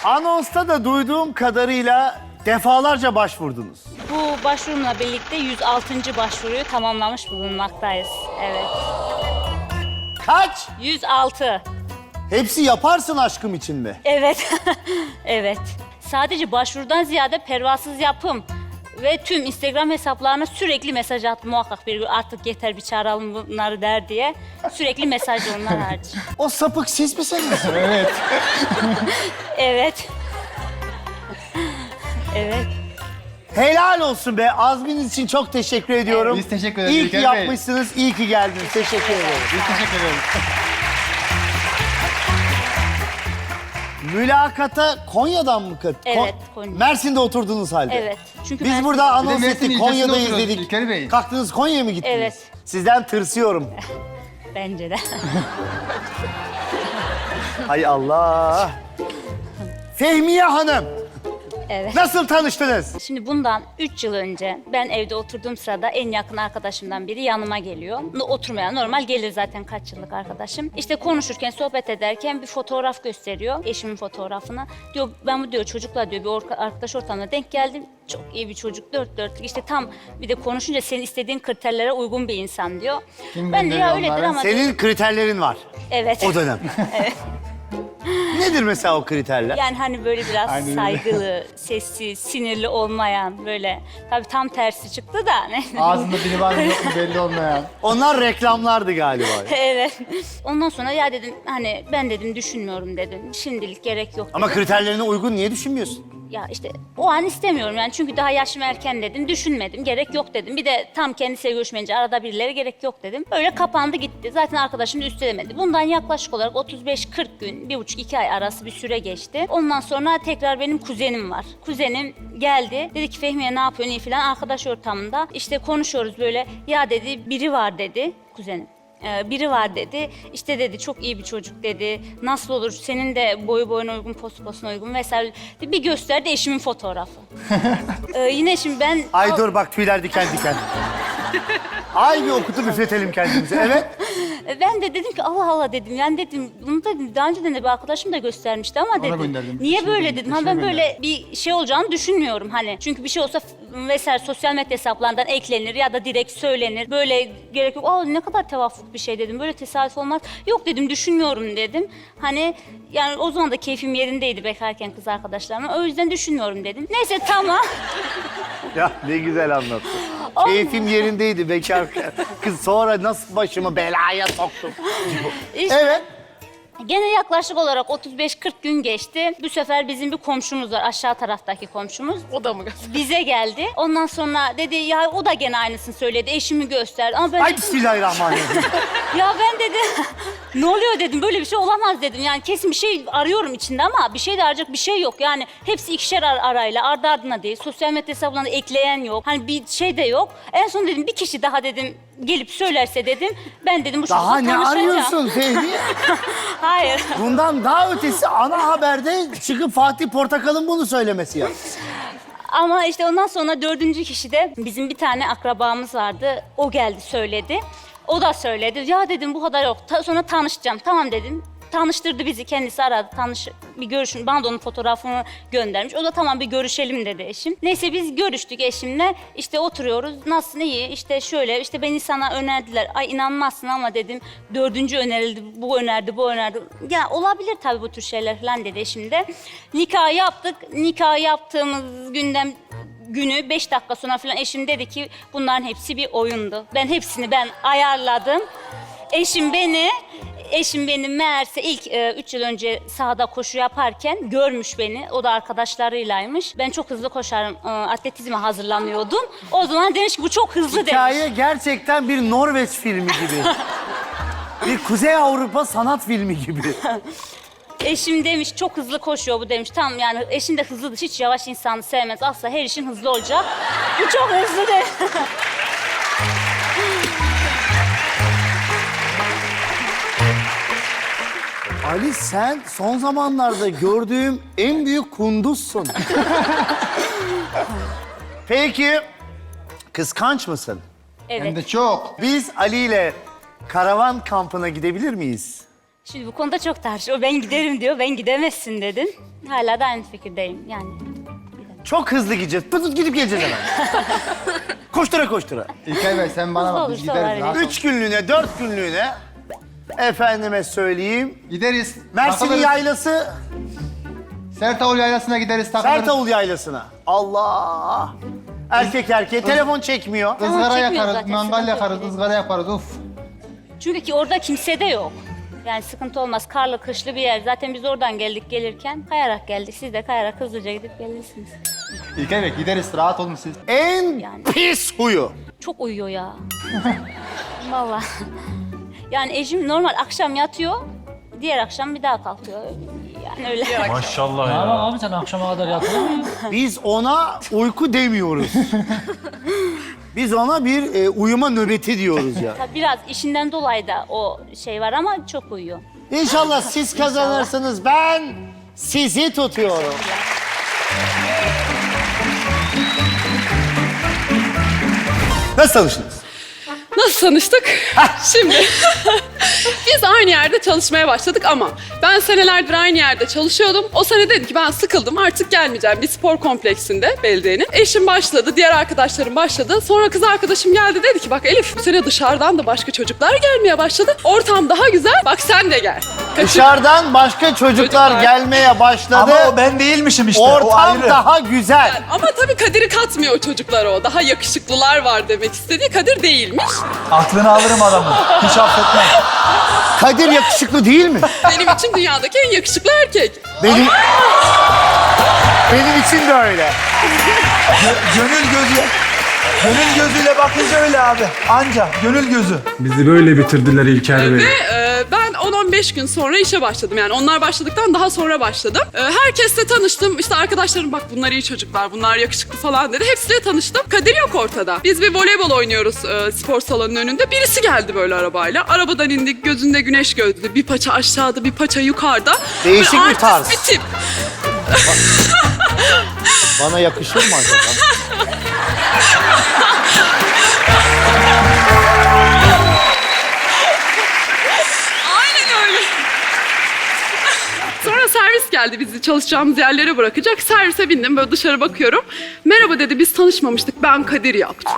Anonsta da duyduğum kadarıyla defalarca başvurdunuz. Bu başvurumla birlikte 106. başvuruyu tamamlamış bulunmaktayız. Evet. Kaç? 106. Hepsi yaparsın aşkım için mi? Evet. Evet. Sadece başvurudan ziyade pervasız yapım ve tüm Instagram hesaplarına sürekli mesaj attım. Muhakkak bir gün artık yeter bir çağıralım bunları der diye. Sürekli mesaj onlar hariç. O sapık siz misiniz? Evet. Evet. Evet. Helal olsun be. Azminiz için çok teşekkür ediyorum. Biz teşekkür ederiz İyi ki İlker Bey. yapmışsınız, iyi ki geldiniz. Teşekkür ederim. Biz teşekkür ederiz. Mülakata Konya'dan mı Evet, Konya. Mersin'de oturdunuz halde. Evet. Çünkü Biz Mersin- burada Bir de anons Mersin ettik, ilçesinde Konya'dayız oturuyoruz dedik. İlker Bey. Kalktınız Konya'ya mı gittiniz? Evet. Sizden tırsıyorum. Bence de. Hay Allah. Fehmiye Hanım, Evet. nasıl tanıştınız? Şimdi bundan 3 yıl önce ben evde oturduğum sırada en yakın arkadaşımdan biri yanıma geliyor. Oturmaya normal gelir zaten kaç yıllık arkadaşım. İşte konuşurken, sohbet ederken bir fotoğraf gösteriyor. Eşimin fotoğrafını. Diyor ben bu diyor çocukla diyor bir arkadaş ortamına denk geldim. Çok iyi bir çocuk, dört dörtlük. İşte tam bir de konuşunca senin istediğin kriterlere uygun bir insan diyor. Kim Ben de bilir ya onları? öyledir ama... Senin kriterlerin var Evet. o dönem. Nedir mesela o kriterler? Yani hani böyle biraz Aynen öyle. saygılı, sessiz, sinirli olmayan böyle. Tabii tam tersi çıktı da. Ne? Ağzında biri var mı yok mu belli olmayan. Onlar reklamlardı galiba. Evet. Ondan sonra ya dedim hani ben dedim düşünmüyorum dedim. Şimdilik gerek yok dedim. Ama kriterlerine uygun niye düşünmüyorsun? Ya işte o an istemiyorum yani çünkü daha yaşım erken dedim. Düşünmedim. Gerek yok dedim. Bir de tam kendisiyle görüşmeyince arada birileri gerek yok dedim. Öyle kapandı gitti. Zaten arkadaşım da üstelemedi. Bundan yaklaşık olarak 35-40 gün, 1,5-2 ay arası bir süre geçti. Ondan sonra tekrar benim kuzenim var. Kuzenim geldi. Dedi ki Fehmiye ne yapıyorsun iyi falan arkadaş ortamında. İşte konuşuyoruz böyle. Ya dedi biri var dedi kuzenim. Biri var dedi. İşte dedi çok iyi bir çocuk dedi. Nasıl olur senin de boyu boyuna uygun, postu postuna uygun vesaire. Bir gösterdi eşimin fotoğrafı. Yine şimdi ben... Ay dur bak tüyler diken diken. Ay bir okutup üfletelim kendimizi. Evet. Ben de dedim ki Allah Allah dedim. Yani dedim bunu da daha önceden de bir arkadaşım da göstermişti ama dedim. gönderdim. Niye Eşine böyle gönderdim, dedim. Ha eşine ben böyle bir şey olacağını düşünmüyorum hani. Çünkü bir şey olsa vesaire sosyal medya hesaplarından eklenir ya da direkt söylenir. Böyle gerek yok. Aa ne kadar tevafuk bir şey dedim. Böyle tesadüf olmaz. Yok dedim düşünmüyorum dedim. Hani yani o zaman da keyfim yerindeydi bekarken kız arkadaşlarımla. O yüzden düşünmüyorum dedim. Neyse tamam. Ya ne güzel anlattın. Keyfim yerindeydi bekar kız sonra nasıl başımı belaya soktum. İşte Evet. gene yaklaşık olarak 35-40 gün geçti. Bu sefer bizim bir komşumuz var, aşağı taraftaki komşumuz. O da mı? Bize geldi. Ondan sonra dedi ya o da gene aynısını söyledi. Eşimi gösterdi. Ama ben Ay bismillahirrahmanirrahim. ya ben dedi ne oluyor dedim. Böyle bir şey olamaz dedim. Yani kesin bir şey arıyorum içinde ama bir şey de arayacak bir şey yok. Yani hepsi ikişer arayla ardı ardına değil. Sosyal medya hesaplarına ekleyen yok. Hani bir şey de yok. En son dedim bir kişi daha dedim gelip söylerse dedim. Ben dedim bu Daha çocukla ne tanışacağım. arıyorsun Fehmiye? Hayır. Bundan daha ötesi ana haberde çıkıp Fatih Portakal'ın bunu söylemesi ya. Ama işte ondan sonra 4. kişi de bizim bir tane akrabamız vardı. O geldi söyledi. O da söyledi. Ya dedim bu kadar yok. Sonra tanışacağım. Tamam dedim. Tanıştırdı bizi. Kendisi aradı. Bir görüşün. Bana da onun fotoğrafını göndermiş. O da tamam bir görüşelim dedi eşim. Neyse biz görüştük eşimle. İşte oturuyoruz. Nasılsın iyi? İşte şöyle. İşte beni sana önerdiler. Ay inanmazsın ama dedim. 4. önerildi. Bu önerdi, bu önerdi. Ya olabilir tabii bu tür şeyler falan dedi eşim de. Nikah yaptık. Nikah yaptığımız günü 5 dakika sonra falan eşim dedi ki bunların hepsi bir oyundu. Ben hepsini ayarladım. Eşim beni meğerse ilk 3 yıl önce sahada koşu yaparken görmüş beni. O da arkadaşlarıylaymış. Ben çok hızlı koşarım. Atletizme hazırlanıyordum. O zaman demiş ki bu çok hızlı demiş. Hikaye gerçekten bir Norveç filmi gibi. Bir Kuzey Avrupa sanat filmi gibi. Eşim demiş çok hızlı koşuyor bu demiş. Tamam yani eşim de hızlıdır. Hiç yavaş insanı sevmez. Asla her işin hızlı olacak. Bu çok hızlı demiş. Ali sen son zamanlarda gördüğüm en büyük kunduzsun. Peki kıskanç mısın? Evet. Hem de çok. Biz Ali ile karavan kampına gidebilir miyiz? Şimdi bu konuda çok tartışıyor. Ben giderim diyor, ben gidemezsin dedim. Hala da aynı fikirdeyim yani. Çok hızlı gideceğiz. Pıt gidip geleceğiz hemen. Koştura koştura. İlkay Bey sen bana bak biz Olursa gideriz. olabilir. rahat ol. 3 günlüğüne, 4 günlüğüne efendime söyleyeyim. Gideriz. Mersin takılırız. Yaylası, Sertavul Yaylası'na gideriz takılırız. Sertavul Yaylası'na. Allah! Erkek erkeğe telefon çekmiyor. Izgara çekmiyor yakarız, zaten, mangal sıkıntı yok. yakarız, ızgara yaparız. Uf. Çünkü ki orada kimse de yok. Yani sıkıntı olmaz. Karlı, kışlı bir yer. Zaten biz oradan geldik gelirken kayarak geldik. Siz de kayarak hızlıca gidip gelirsiniz. İlkay Bey gideriz, rahat olun siz. En Yani. pis huyu. Çok uyuyor ya. Vallahi. Yani eşim normal akşam yatıyor. Diğer akşam bir daha kalkıyor. Yani öyle. Maşallah Ama ya. abi sen akşama kadar yatılır mı? Biz ona uyku demiyoruz. Biz ona bir uyuma nöbeti diyoruz ya. Tabii biraz işinden dolayı da o şey var ama çok uyuyor. İnşallah siz kazanırsınız. Ben sizi tutuyorum. Nasıl tanıştınız? Nasıl tanıştık? Şimdi biz aynı yerde çalışmaya başladık ama ben senelerdir aynı yerde çalışıyordum. O sene dedi ki ben sıkıldım artık gelmeyeceğim bir spor kompleksinde belediyenin. Eşim başladı, diğer arkadaşlarım başladı. Sonra kız arkadaşım geldi dedi ki bak Elif bu sene dışarıdan da başka çocuklar gelmeye başladı. Ortam daha güzel bak sen de gel. Dışarıdan başka çocuklar gelmeye başladı. Ama o ben değilmişim işte. o Ortam ayrı. daha güzel. Ama tabii Kadir'i katmıyor o çocuklara o. Daha yakışıklılar var demek istediği. Kadir değilmiş. Aklını alırım adamı. Hiç affetmem. Kadir yakışıklı değil mi? Benim için dünyadaki en yakışıklı erkek. Benim için de öyle. Gönül gözüyle bakınca öyle abi. Anca gönül gözü. Bizi böyle bitirdiler İlker Bey. Ben 10-15 gün sonra işe başladım. Yani onlar başladıktan daha sonra başladım. Herkesle tanıştım. İşte arkadaşlarım bak bunlar iyi çocuklar, bunlar yakışıklı falan dedi. Hepsiyle tanıştım. Kadir yok ortada. Biz bir voleybol oynuyoruz spor salonunun önünde. Birisi geldi böyle arabayla. Arabadan indik, gözünde güneş gözlü. Bir paça aşağıda, bir paça yukarıda. Değişik Böyle bir tarz. artist bir tip. Bana yakışır mı acaba? Aynen öyle. Sonra servis geldi bizi çalışacağımız yerlere bırakacak. Servise bindim böyle dışarı bakıyorum. Merhaba dedi biz tanışmamıştık ben Kadir yaptım.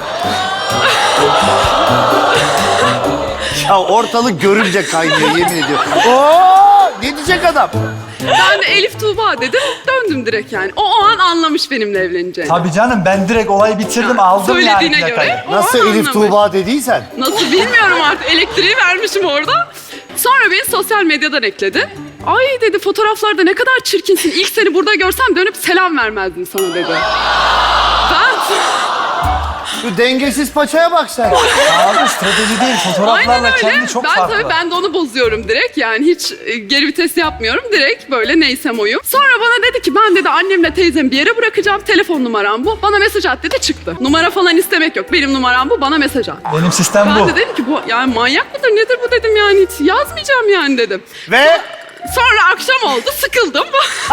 Ya ortalık görünce kaynıyor yemin ediyorum. Oo, ne diyecek adam? Ben de Elif Tuğba dedim döndüm direkt yani. O an anlamış benimle evleneceğini. Tabii canım ben direkt olayı bitirdim aldım yani Söylediğine plakayı. göre o Nasıl an Elif anlamış. Tuğba dediysen? Nasıl bilmiyorum artık elektriği vermişim orada. Sonra beni sosyal medyadan ekledi. Ay dedi fotoğraflarda ne kadar çirkinsin. İlk seni burada görsem dönüp selam vermezdim sana dedi. Ben Şu dengesiz paçaya bak sen. Abi strateji değil fotoğraflarla aynen öyle. kendi çok Ben farklı. tabii ben de onu bozuyorum direkt. Yani hiç geri vites yapmıyorum. Direkt böyle neysem oyum. Sonra bana dedi ki ben dedi annemle teyzemi bir yere bırakacağım. Telefon numaram bu. Bana mesaj at dedi çıktı. Numara falan istemek yok. Benim numaram bu. Bana mesaj at. Benim sistem Ben bu. de dedim ki bu yani manyak mıdır nedir bu dedim yani hiç yazmayacağım yani dedim. Ve Sonra akşam oldu sıkıldım.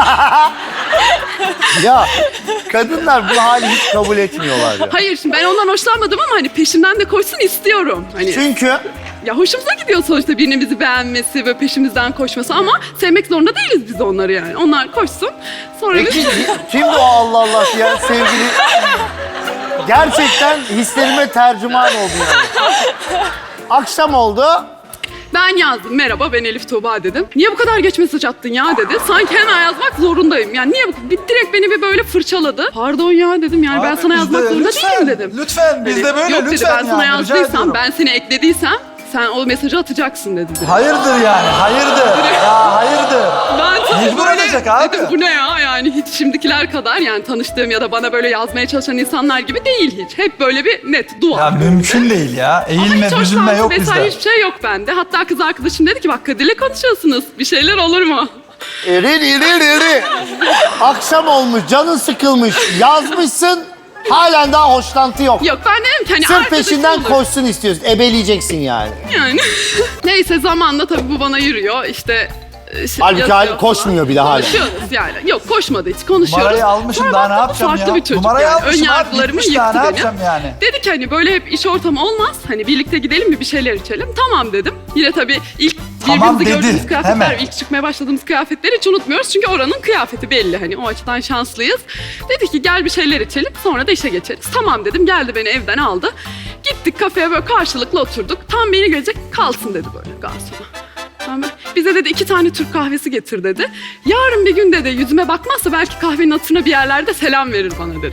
ya kadınlar bu hali hiç kabul etmiyorlar ya. Hayır şimdi ben ondan hoşlanmadım ama hani peşimden de koşsun istiyorum. Hani Çünkü ya hoşumuza gidiyor sonuçta birinin bizi beğenmesi ve peşimizden koşması ama sevmek zorunda değiliz biz onları yani. Onlar koşsun sonra peki biz... kim bu Allah Allah ya sevgili? Gerçekten hislerime tercüman oldu yani. Akşam oldu. Ben yazdım merhaba ben Elif Tuğba dedim. Niye bu kadar geç mesaj attın ya dedi. Sanki hemen yazmak zorundayım. Yani niye direkt beni bir böyle fırçaladı. Pardon ya dedim yani ben Abi sana biz yazmak de zorunda lütfen, değilim dedim. Lütfen biz de böyle Yok lütfen dedi ben sana yani, rica yazdıysam ediyorum. ben seni eklediysem sen o mesajı atacaksın dedi. Hayırdır yani hayırdır. Ya hayırdır. Ben tabii Mecbur böyle olacak abi. dedim bu ne ya yani hiç şimdikiler kadar yani tanıştığım ya da bana böyle yazmaya çalışan insanlar gibi değil hiç. Hep böyle bir net dua. Ya mümkün değil ya. Ama Eğilme hiç büzülme hoşlanma yok vesaire bizde. hiçbir şey yok bende. Hatta kız arkadaşım dedi ki bak Kadir'le konuşuyorsunuz. Bir şeyler olur mu? İri. Akşam olmuş, canın sıkılmış, yazmışsın. Halen daha hoşlantı yok. Yok ben dedim ki hani Sırf arkadaşım peşinden olur. koşsun istiyorsun. Ebeleyeceksin yani. Yani. Neyse zamanla tabii bu bana yürüyor işte. Halbuki yazıyor hali koşmuyor falan. bile hala. Konuşuyoruz yani. Yok koşmadı hiç konuşuyoruz. Numarayı almışım Sonra daha ne baktım yapacağım farklı ya? bir çocuk Numarayı yani. almışım Ön abi yargılarımı gitmiş daha yıktı ne beni. yapacağım yani? Dedi ki hani böyle hep iş ortamı olmaz. Hani birlikte gidelim bir şeyler içelim. Tamam dedim. Yine tabii ilk Tamam birbirimizi gördüğümüz dedi, kıyafetler, hemen. ilk çıkmaya başladığımız kıyafetleri hiç unutmuyoruz. Çünkü oranın kıyafeti belli hani o açıdan şanslıyız. Dedi ki gel bir şeyler içelim sonra da işe geçeriz. Tamam dedim, geldi beni evden aldı. Gittik kafeye böyle karşılıklı oturduk. Tam beni görecek, kalsın dedi böyle garsona. Bize dedi 2 tane Türk kahvesi getir dedi. Yarın bir gün dedi yüzüme bakmazsa belki kahvenin hatırına bir yerlerde selam verir bana dedi.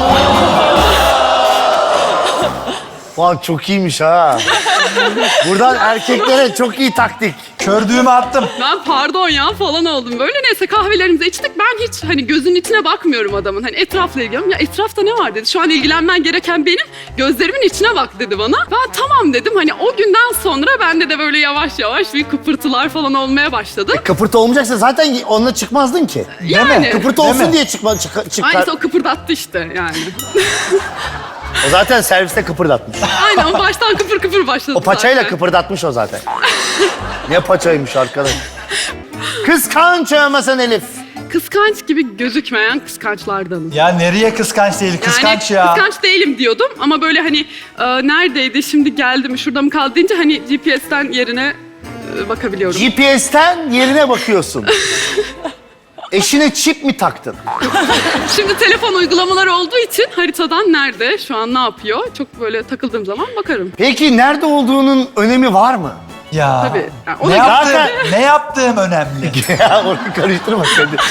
Vay çok iyiymiş ha. Buradan erkeklere çok iyi taktik. Kördüğümü attım. Ben pardon ya falan oldum böyle. Neyse kahvelerimizi içtik. Ben hiç hani gözünün içine bakmıyorum adamın. Hani etrafla ilgileniyorum. Ya etrafta ne var dedi. Şu an ilgilenmen gereken benim. Gözlerimin içine bak dedi bana. Ben tamam dedim. Hani o günden sonra bende de böyle yavaş yavaş bir kıpırtılar falan olmaya başladı. Kıpırtı olmayacaksa zaten onunla çıkmazdın ki. Yani. Kıpırtı Değil olsun mi? diye çıkar. Aynısı o kıpırdattı işte yani. O zaten serviste kıpırdatmış. Aynen o baştan kıpır kıpır başladı O paçayla zaten. kıpırdatmış o zaten. Ne paçaymış arkadaş. Kıskanç olmasın Elif. Kıskanç gibi gözükmeyen kıskançlardanım. Ya nereye kıskanç değil, kıskanç yani, ya. Kıskanç değilim diyordum ama böyle hani neredeydi şimdi geldi mi şurada mı kaldı deyince hani GPS'ten yerine bakabiliyorum. GPS'ten yerine bakıyorsun. Eşine çip mi taktın? Şimdi telefon uygulamaları olduğu için haritadan nerede, şu an ne yapıyor çok böyle takıldığım zaman bakarım. Peki nerede olduğunun önemi var mı? Ya. Tabii. Yani o Ne, da yaptığım, Zaten- ne yaptığım önemli. Ya onu karıştırma sen de.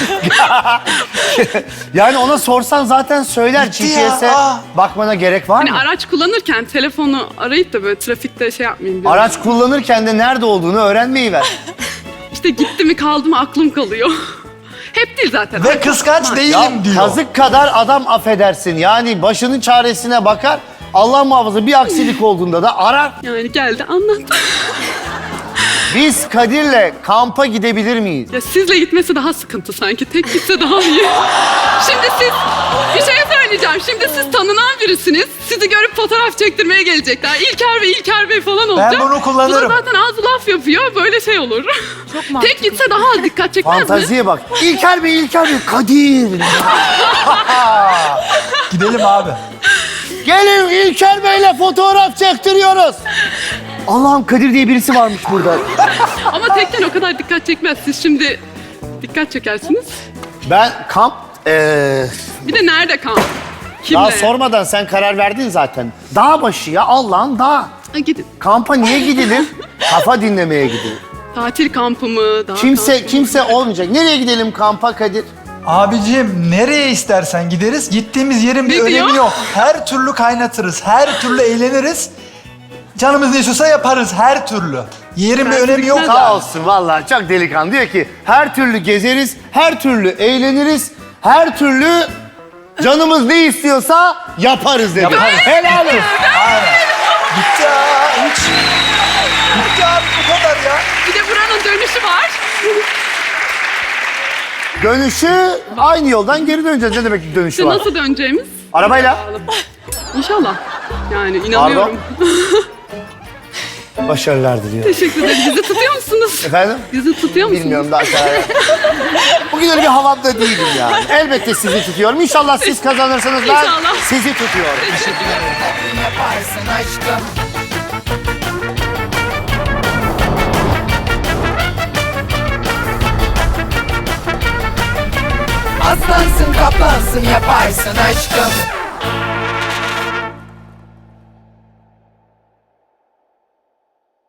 Yani ona sorsan zaten söyler. Bitti ya, GPS'e aa. bakmana gerek var hani mı? araç kullanırken telefonu arayıp da böyle trafikte şey yapmayayım diyorum. Araç kullanırken de nerede olduğunu öğrenmeyi ver. İşte gitti mi kaldı mı aklım kalıyor. Hep değil zaten. Ve kıskanç Ya değilim diyor. kazık kadar adam affedersin. Yani başının çaresine bakar. Allah muhafaza bir aksilik olduğunda da arar. Yani geldi anlattı. Biz Kadir'le kampa gidebilir miyiz? Ya sizle gitmesi daha sıkıntı sanki. Tek gitse daha iyi. Şimdi siz bir şey söyleyeceğim. Şimdi siz tanınan birisiniz. Sizi görüp fotoğraf çektirmeye gelecekler. İlker Bey falan olacak. bunu kullanırım. Bu da zaten az laf yapıyor. Böyle şey olur. Çok mantıklı. Tek gitse daha az dikkat çekmez mi? Fantaziye bak. İlker Bey, Kadir. Gidelim abi. Gelin İlker Bey'le fotoğraf çektiriyoruz. Allah'ım Kadir diye birisi varmış burada. Ama tekken o kadar dikkat çekmez. Siz şimdi dikkat çekersiniz. Ben kamp... Bir de nerede kamp? Kimle? daha sormadan sen karar verdin zaten. Dağ başı ya Allah'ın dağı. Ha, gidin. Kampa niye gidilir? Kafa dinlemeye gidilir. Tatil kampı mı? Dağ Kimse olmayacak. Nereye gidelim kampa Kadir? Abicim nereye istersen gideriz. Gittiğimiz yerin bir Ne diyor? önemi yok. Her türlü kaynatırız. Her türlü eğleniriz. Canımız ne istiyorsa yaparız her türlü. Yerin bir önemi yok. gitmez. Sağ olsun vallahi çok delikanlı. Diyor ki her türlü gezeriz, her türlü eğleniriz, her türlü canımız ne istiyorsa yaparız dedi. Yaparız. Helal olsun. Aynen. Bitti ya. Hiç. Bitti abi bu kadar ya. Bir de buranın dönüşü var. Dönüşü aynı yoldan geri döneceğiz. Ne demek ki dönüşü İşte var? nasıl döneceğimiz? Arabayla. İnşallah. Yani inanıyorum. Başarılar diliyorum. Teşekkür ederim. Bizi tutuyor musunuz? Efendim? Bizi tutuyor musunuz? Bilmiyorum daha karar. Bugün öyle bir havamda değilim yani. Elbette sizi tutuyorum. İnşallah siz kazanırsanız ben İnşallah. sizi tutuyorum. Teşekkür ederim. Aslansın kaplansın yaparsın aşkım.